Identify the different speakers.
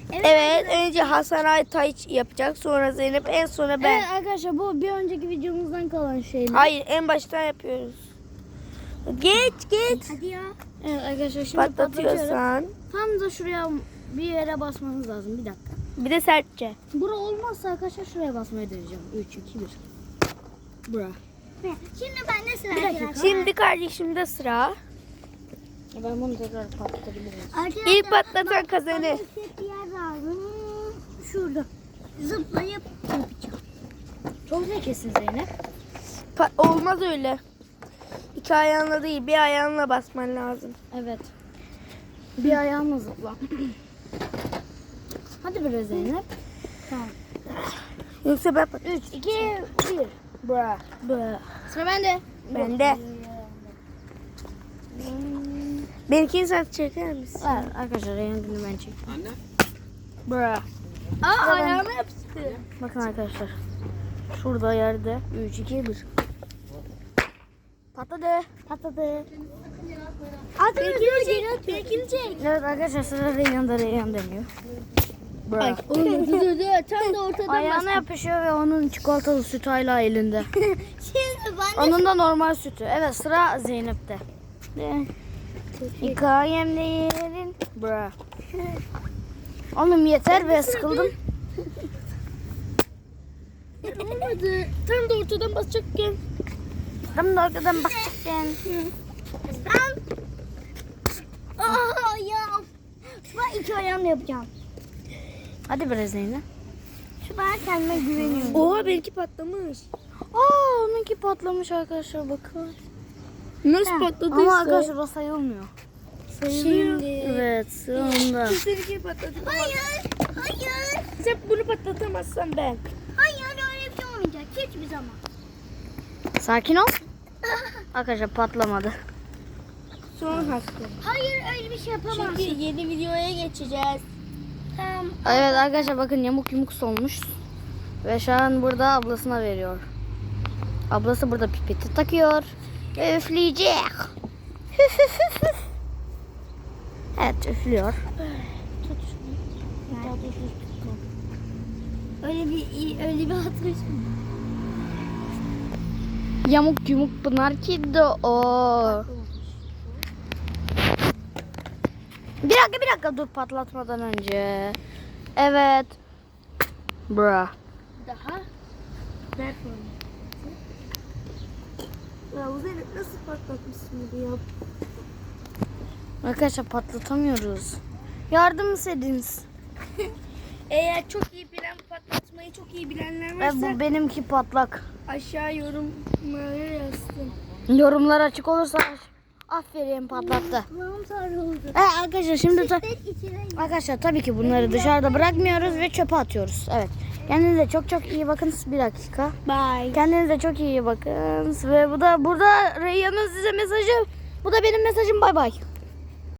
Speaker 1: Evet, önce Hasan Aytaç yapacak, sonra Zeynep, en sonra ben.
Speaker 2: Evet arkadaşlar, bu bir önceki videomuzdan kalan şeyler.
Speaker 1: Hayır, en baştan yapıyoruz. Geç.
Speaker 2: Hadi ya. Evet arkadaşlar, şimdi patlatıyorum.
Speaker 1: Patlatıyorsan.
Speaker 2: Tam da şuraya bir yere basmanız lazım. Bir dakika.
Speaker 1: Bir de sertçe.
Speaker 2: Bura olmazsa arkadaşlar şuraya basmayı deneyeceğim. 3, 2, 1. Bura.
Speaker 3: Şimdi bende sıra
Speaker 2: Bir dakika.
Speaker 3: arkadaşlar.
Speaker 1: Şimdi kardeşimde sıra.
Speaker 2: Ben bunu tekrar patlatabilirim.
Speaker 3: Arkadaşlar,
Speaker 1: İlk patlatan kazanır.
Speaker 3: bana bir yer lazım. Şurada. Zıplayıp yapacağım.
Speaker 2: Çok zekisin Zeynep.
Speaker 1: Olmaz öyle. İki ayağınla değil, bir ayağınla basman lazım.
Speaker 2: Evet. Bir ayağımla zıpla. Hadi biraz Zeynep. Tamam.
Speaker 1: Yoksa ben
Speaker 2: 3, 2, 1. Bra. Sıra bende.
Speaker 1: bende. Benimkini sen çeker misin?
Speaker 2: Evet arkadaşlar, rengini ben çekeyim.
Speaker 4: Anne.
Speaker 2: Bra.
Speaker 1: Aa, ayağıma yapıştı.
Speaker 2: Bakın arkadaşlar. Şurada yerde. 3, 2, 1. Patladı.
Speaker 3: Benimkini çek.
Speaker 2: Evet arkadaşlar, sıra Reyhan deniyor. Bra.
Speaker 3: Dur. Tam da ortadan
Speaker 2: Ayağına yapışıyor ve onun çikolatalı sütü hala elinde.
Speaker 3: Şimdi ben de
Speaker 2: Onun da normal sütü. Evet, sıra Zeynep'te. Hikayemde yerin. Bra. Oğlum yeter be, sıkıldım.
Speaker 1: Olmadı. Tam da ortadan basacakken.
Speaker 2: Tam da arkadan basacakken.
Speaker 3: ya. Ben iki ayağımla yapacağım.
Speaker 2: Hadi biraz Zeynep.
Speaker 3: Ben kendime güveniyorum.
Speaker 1: Oha, benimki patlamış.
Speaker 2: Aa, onunki patlamış arkadaşlar, bakın.
Speaker 1: Nasıl patladıysa.
Speaker 2: Ama arkadaşlar o sayılmıyor.
Speaker 1: Şimdi.
Speaker 2: Evet, sonunda.
Speaker 1: Seninki patladı.
Speaker 3: Hayır.
Speaker 1: Sen bunu patlatamazsan ben.
Speaker 3: Hayır, öyle bir şey olmayacak. Hiçbir zaman.
Speaker 2: Sakin ol. Arkadaşlar patlamadı.
Speaker 1: Son hakkı.
Speaker 3: Hayır, öyle bir şey yapamazsın.
Speaker 1: Çünkü yeni videoya geçeceğiz.
Speaker 3: Tamam.
Speaker 2: Evet arkadaşlar, bakın yamuk yumuk solmuş. Ve şu an burada ablasına veriyor. Ablası burada pipeti takıyor. Ve üfleyecek. Evet, üflüyor.
Speaker 3: Öyle bir hatırlaş mı?
Speaker 2: Yamuk yumuk pınar ki de o. Bir dakika dur, patlatmadan önce. Evet. Bra.
Speaker 3: Daha.
Speaker 1: Ver bunu. Ya Zeynep, nasıl patlatmışsın bunu ya?
Speaker 2: Arkadaşlar patlatamıyoruz. Yardım ediniz.
Speaker 1: Eğer çok iyi bilen, patlatmayı çok iyi bilenler
Speaker 2: Ve
Speaker 1: varsa
Speaker 2: bu benimki patlak.
Speaker 1: aşağı yorumlara yazsın.
Speaker 2: Yorumlar açık olursa aferin, patlattı.
Speaker 3: Kulağım sarıldı.
Speaker 2: Evet arkadaşlar, şimdi
Speaker 3: İçine
Speaker 2: arkadaşlar tabii ki bunları dışarıda bırakmıyoruz ve çöpe atıyoruz. Evet. Kendinize çok iyi bakın. Bir dakika.
Speaker 1: Bye.
Speaker 2: Kendinize çok iyi bakın. Ve bu da burada Reyhan'ın size mesajı. Bu da benim mesajım. Bay bay.